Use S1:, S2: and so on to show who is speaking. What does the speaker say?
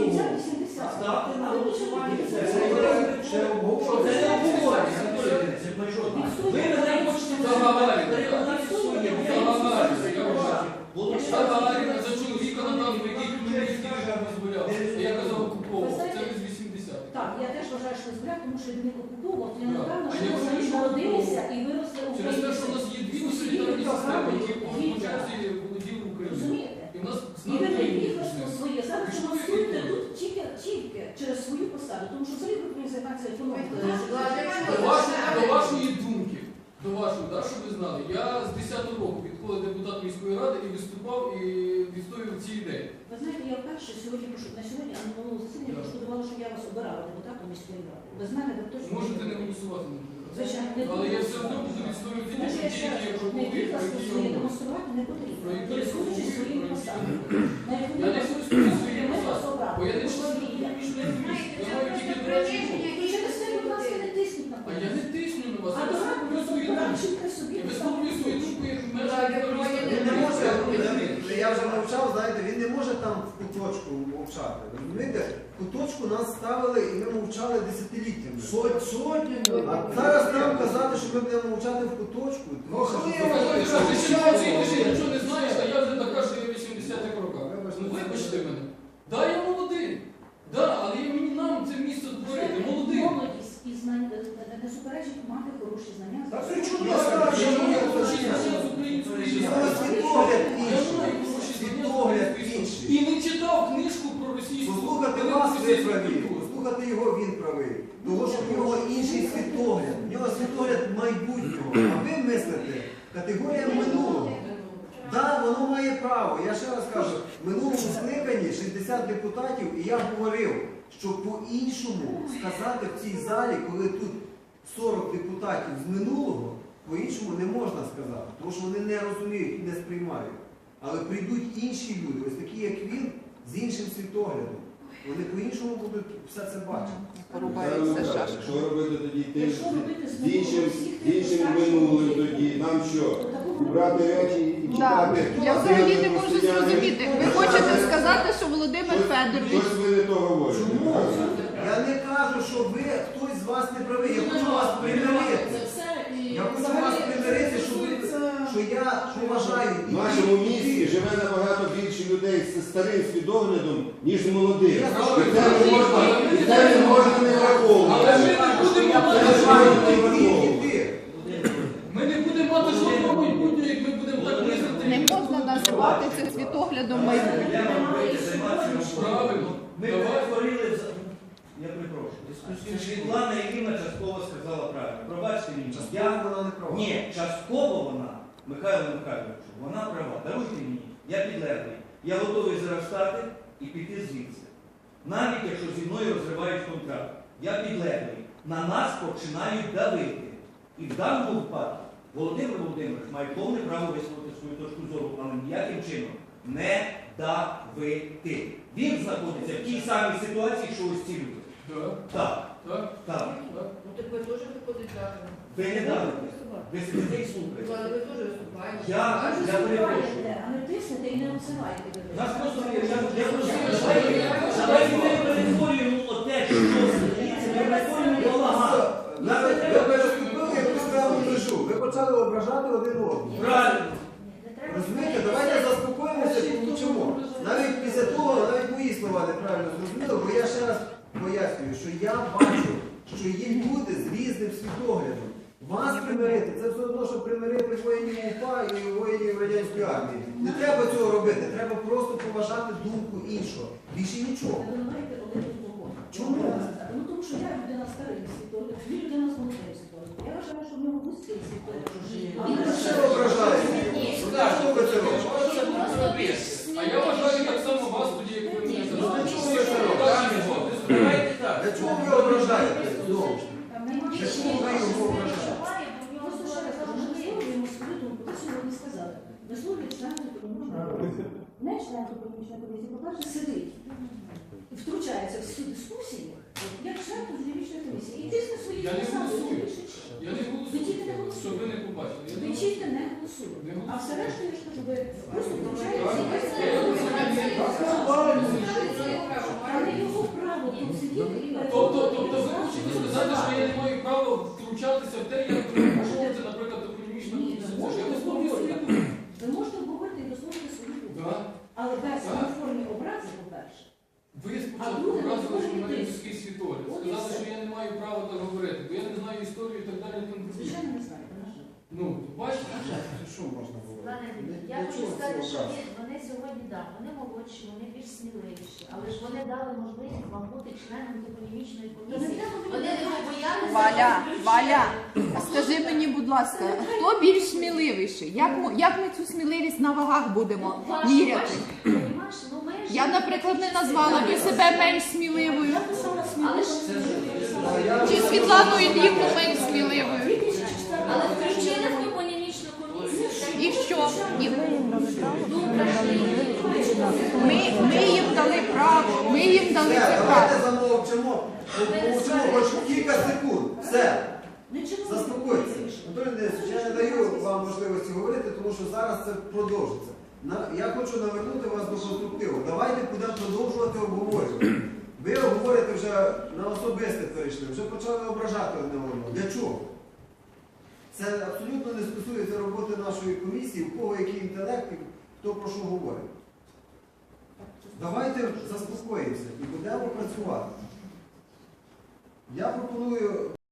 S1: 70-80.
S2: Ставте на
S1: Але
S2: голосування.
S1: нічого
S2: Це
S1: не
S2: не
S1: буде.
S2: ще обговорення. Це не обговорення. Ви мене хочете переконати своє.
S3: Гагаріна за чоловіка надав, який Хмельницький режим дозволяв. Я казав окуповував. Це з 80-х.
S1: Так, я теж вважаю, що збирати, тому що він окуповував. Я
S3: Так.
S1: напевно,
S3: А
S1: що
S3: я
S1: ми
S3: вважаю,
S1: самі
S3: що
S1: народилися і виросли
S3: Через те, що у нас є дві тоталітарні системи, які почасі володіли Україною.
S1: Розумієте?
S3: І в нас
S1: І ви
S3: знали
S1: виросли своє. Зараз
S3: Що ви
S1: демонструєте
S3: робите?
S1: тут тільки через свою посаду, тому що взагалі ви повинні займатися економікою.
S3: До вашої, да, щоб ви знали, я з 10-го року відходив депутат міської ради і виступав і відстоював ці ідеї.
S1: Ви знаєте, я вперше сьогодні, на сьогодні, а на минулому засіданні пошкодувала, що я вас обирала депутатом міської ради. Без мене ви точно
S3: Можете не голосувати на
S1: Звичайно, не
S3: але я все одно буду відстоювати ті
S1: Тому що я
S3: ідеї,
S1: ще
S3: які я
S1: не
S3: пропоную, про
S1: відкласти
S3: які я
S1: свої
S3: говорю.
S1: демонструвати не потрібно.
S3: Про які я
S1: Користуючись
S3: говорю,
S1: своїм
S3: про які
S1: посадом.
S3: я
S1: На яку
S3: Я не користуюсь своїм
S1: ми вас
S3: посадом,
S1: обрали.
S3: бо я не член економічної комісії, я маю тільки дорадчий голос.
S1: І через це, будь ласка, не тисніть на
S3: А я не тисню на вас,
S1: А
S3: я висловлюю свою думку.
S1: дорадчите собі.
S3: Я висловлюю свою думку як
S4: Він не може,
S3: мешканець.
S4: я вже мовчав, знаєте, він не може там в куточку мовчати. Розумієте, в куточку нас ставили і ми мовчали десятиліттями.
S2: Сотнями.
S4: А зараз нам казати, що ми будемо мовчати в куточку.
S3: Ти ще нічого не знаєш, а я вже така, що я в 80-х роках. Ну вибачте мене. Да, я молодий. Да, але мені нам це місце створити. Молодий.
S1: Молодість і знання не суперечить мати хороші знання.
S2: Та це чудо,
S3: Я
S2: скажу,
S3: я маю
S2: що
S3: хороші
S2: я
S3: знання з української
S4: Але світогляд
S3: Я
S4: інший.
S3: маю хороші знання з
S4: Світогляд
S3: української
S4: інший.
S3: І не читав книжку про російську.
S4: Послухати
S3: велику
S4: вас ви
S3: російську
S4: праві,
S3: культуру.
S4: послухати його він правий. Тому що в нього інший світогляд. В нього світогляд майбутнього. А ви мислите категорія минулого. Так, воно має право. Я ще раз кажу, в минулому скликанні 60 депутатів, і я говорив, що по-іншому сказати в цій залі, коли тут 40 депутатів з минулого, по-іншому не можна сказати, тому що вони не розуміють і не сприймають. Але прийдуть інші люди, ось такі, як він, з іншим світоглядом. Вони по-іншому будуть все це бачити.
S5: Порубаються шашки.
S6: Що робити тоді тим,
S1: Якщо робити
S6: з іншим
S1: всіх
S6: минулим тоді? Нам що? Брати речі і
S5: Так,
S6: читати?
S5: я взагалі не можу зрозуміти. Ви хочете сказати, що Володимир Федорович...
S6: Щось ви не то говорите.
S4: Чому? Я не кажу, що ви, хтось з вас не правий. Я хочу вас примирити. Я хочу вас примирити, що я поважаю.
S6: В нашому місті живе набагато більше людей з старим свідоглядом, ніж молодих. І це не можна не враховувати.
S3: Але ми не будемо мати Ми не будемо мати жодного майбутнього, як ми будемо так мислити.
S5: Не можна називати це світоглядом майбутнього.
S3: Правильно.
S2: Ми перетворили, я перепрошую, Світлана Євгенівна частково сказала правильно. Пробачте мені.
S4: Вона не права.
S2: Ні, частково вона, Михайло Михайловичу, вона права. Даруйте мені, я підлеглий. Я готовий зараз встати і піти звідси. Навіть якщо зі мною розривають контракт. Я підлеглий. На нас починають давити. І в даному випадку Володимир Володимирович має повне право висловити свою точку зору, але ніяким чином не давити. Він знаходиться в тій самій ситуації, що ось ці люди. Так,
S3: Так.
S2: так.
S7: Ну так ви теж виходить так.
S2: Ви не давите. Ви сидите і слухаєте.
S7: Але ви теж виступаєте.
S2: Я перепрошую.
S1: А не тиснете і не обсивайте.
S2: Нас просто давайте ми перетворюємо те, що стоїться, ми перетворюємо балаган.
S4: Ви переступили якусь певну межу. Ви почали ображати один одного.
S2: Правильно.
S4: Розумієте, давайте заспокоїмося і помовчимо. Навіть після того, навіть мої слова неправильно зрозуміли, бо я ще раз пояснюю, що я бачу, що є люди з різним світоглядом. Вас примирити, це все одно, що примирити воїнів УПА і воїнів радянської армії. Не треба цього робити, треба просто поважати думку іншого. Більше нічого.
S1: Ви винуваєте один одного.
S4: Чому?
S1: Ну тому що я людина старий світогляд, ви людина з молодим світоглядом. Я вважаю, що в нього вузький світогляд.
S4: Ви що ображаєте? Що ви це робите?
S3: А я вважаю так само вас тоді, як ви мене
S4: Ну, для чого ви це робите? Для чого ви ображаєте? Знову ж. Для чого ви його ображаєте?
S1: Просто ще раз кажу, ми висловлюємо свою думку, ви сьогодні сказали. Висловлюють член економічної комісії. Не член економічної комісії, по-перше, сидить. Втручається в всі дискусії, як член економічної комісії. І тисне свої
S3: Я не
S1: посади.
S3: голосую. Я не
S1: Ви тільки не
S3: голосую, щоб
S1: голосуєте.
S3: ви не побачили. Я
S1: Ви
S3: не
S1: тільки не голосуєте.
S3: Не
S1: А все решта, я ж кажу, ви просто
S3: Так.
S1: втручаєтеся.
S3: Так.
S1: Там не по-перше.
S3: Ви
S1: А
S3: спочатку
S1: друге,
S3: показували, що в мене
S1: виходить
S3: людський світогляд.
S1: От і
S3: Сказали,
S1: все.
S3: що я не маю права так говорити, бо я не знаю історію і так далі. і тому подібне.
S1: Звичайно, не знаєте, на жаль.
S3: Ну, бачите?
S1: На жаль.
S4: Що можна говорити?
S8: Пане Віктор,
S4: Для
S8: я хочу
S4: чого
S8: сказати,
S4: ці
S8: що
S4: образи?
S8: вони сьогодні, так, вони молодші, вони більш сміливіші, але ж вони дали можливість вам бути членом топонімічної комісії. Вони не побоялися.
S5: Валя,
S8: включити.
S5: Валя, скажи мені, будь ласка, хто більш сміливіший? Як ми цю сміливість на вагах будемо міряти?
S8: Понімаєш? Ну, ми ж-
S5: Я, наприклад, не назвала би себе менш сміливою.
S1: Я писала
S8: Але ж
S5: Чи Світлану Іллівну менш сміливою.
S1: 2004
S8: але включили в топонімічну комісію.
S5: І що? І
S8: Ми
S5: ми їм дали право, ми їм дали
S4: Все,
S5: це
S4: давайте
S5: право.
S4: замовчимо. Помовчимо хоч кілька секунд. Все.
S1: Нічого не
S4: Заспокойтеся.
S1: вирішено.
S4: Анатолій Денисович, я не даю вам можливості говорити, тому що зараз це продовжиться. Я хочу навернути вас до конструктиву. Давайте будемо продовжувати обговорювати. Ви говорите вже на особисте перейшли, вже почали ображати одне одного. Для чого? Це абсолютно не стосується роботи нашої комісії, у кого який інтелект і хто про що говорить. Давайте заспокоїмося і будемо працювати. Я пропоную